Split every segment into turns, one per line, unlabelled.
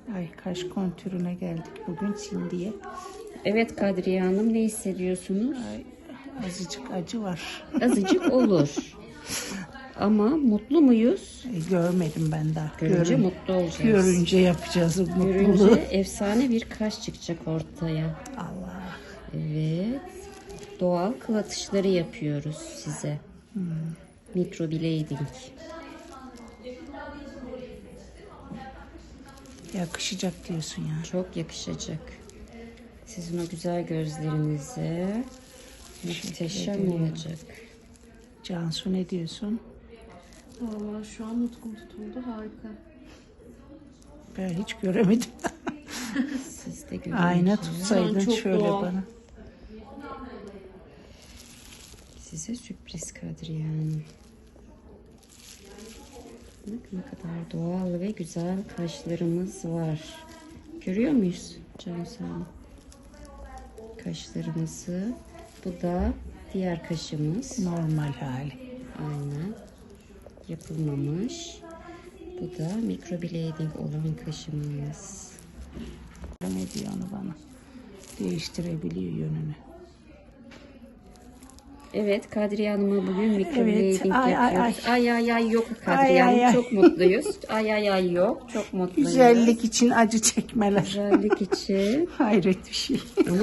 Ay, kaş kontürüne geldik bugün Cindy'ye.
Evet Kadriye Hanım, ne hissediyorsunuz?
Ay, azıcık acı var.
Azıcık olur. Ama mutlu muyuz?
Görmedim ben daha.
Görünce mutlu olacağız.
Görünce yapacağız o mutluluğu.
Görünce efsane bir kaş çıkacak ortaya.
Allah.
Evet. Doğal kıl atışları yapıyoruz size. Microblading.
Yakışacak diyorsun ya.
Çok yakışacak. Sizin o güzel gözlerinize muhteşem olacak.
Cansu ne diyorsun?
Vallahi şu an nutkum tutuldu, harika.
Ben hiç göremedim.
Siz de görün.
Ayna
Şu
tutsaydın
an çok
şöyle
doğal.
bana.
Size sürpriz Kadriye Hanım. Bak ne kadar doğal ve güzel kaşlarımız var. Görüyor muyuz Cansu Hanım? Kaşlarımızı. Bu da diğer kaşımız.
Normal hali.
Aynen. Yapılmamış. Bu da microblading olan kaşımız.
Ne diyor onu bana? Değiştirebiliyor yönünü.
Evet, Kadriye Hanım'a bugün microblading
ay, ay,
yapıyoruz. Ay yok
Ay,
Kadriye Hanım,
ay.
çok mutluyuz. Ay yok, çok mutluyuz.
Güzellik için acı çekmeler.
Güzellik için.
Hayret bir şey.
Ama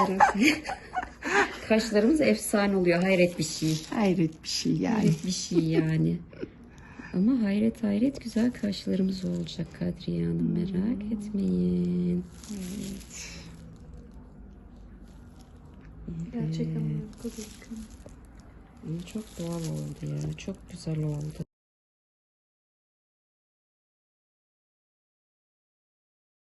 kaşlarımız efsane oluyor. Hayret bir şey.
Hayret bir şey yani.
Hayret bir şey yani. Ama hayret güzel kaşlarımız olacak Kadriye Hanım, merak etmeyin.
Gerçekten harika gözüküyor.
Ama çok doğal oldu ya. Çok güzel oldu.